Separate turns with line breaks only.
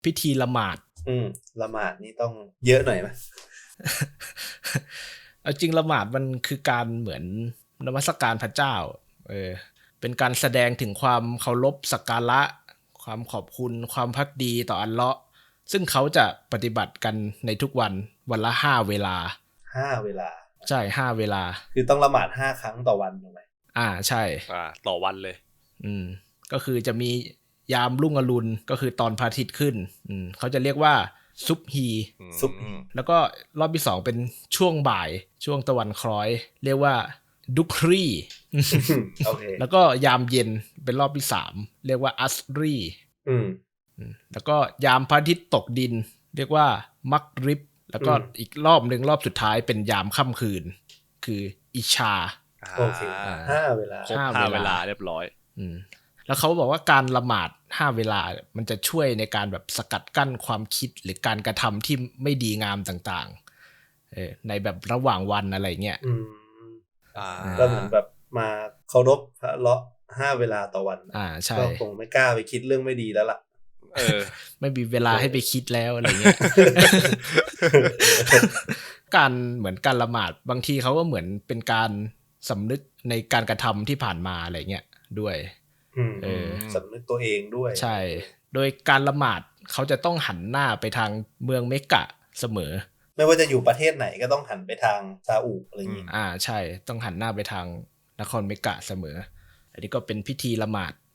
พิธีละหมาด
ละหมาดนี่ต้องเยอะหน่อยไหม
เอาจริงละหมาดมันคือการเหมือนนมัสการพระเจ้าเป็นการแสดงถึงความเคารพสักการะความขอบคุณความภักดีต่ออัลเลาะห์ซึ่งเขาจะปฏิบัติกันในทุกวันวันละ5เวลา
5เวลา
ใช่5เวลา
คือต้องละหมาด5ครั้งต่อวันถูกไหม
ใช่
ต่อวันเลย
ก็คือจะมียามรุ่งอรุณก็คือตอนพระอาทิตย์ขึ้นเขาจะเรียกว่าซุบฮีแล้วก็รอบที่2เป็นช่วงบ่ายช่วงตะวันคล้อยเรียกว่าดุครี
โอเค
แล้วก็ยามเย็นเป็นรอบที่3เรียกว่าอัสรีแล้วก็ยามพระอาทิตย์ตกดินเรียกว่ามักริบแล้วก็อีกรอบนึงรอบสุดท้ายเป็นยามค่ำคืนคืออิชา
โอเค5เวลา
ครบ5เวลาเรียบร้อย
แล้วเขาบอกว่าการละหมาด5เวลามันจะช่วยในการแบบสกัดกั้นความคิดหรือการกระทำที่ไม่ดีงามต่างๆในแบบระหว่างวันอะไรเงี้ย
ก็เหมือนแบบมาเคารพพระเลาะ5เวลาต่อวัน
ใช่
ก็คงไม่กล้าไปคิดเรื่องไม่ดีแล้วล่ะ
ไม่มีเวลาให้ไปคิดแล้วอะไรเงี้ย การเหมือนการละหมาดบางทีเขาก็เหมือนเป็นการสำนึกในการกระทำที่ผ่านมาอะไรเงี้ยด้วย
สำนึกตัวเองด้วย
ใช่โดยการละหมาดเขาจะต้องหันหน้าไปทางเมืองเมกกะเสมอ
ไม่ว่าจะอยู่ประเทศไหนก็ต้องหันไปทางซาอุอะไรอย่างงี้
ใช่ต้องหันหน้าไปทางนครเมกกะเสมออันนี้ก็เป็นพิธีละหมาด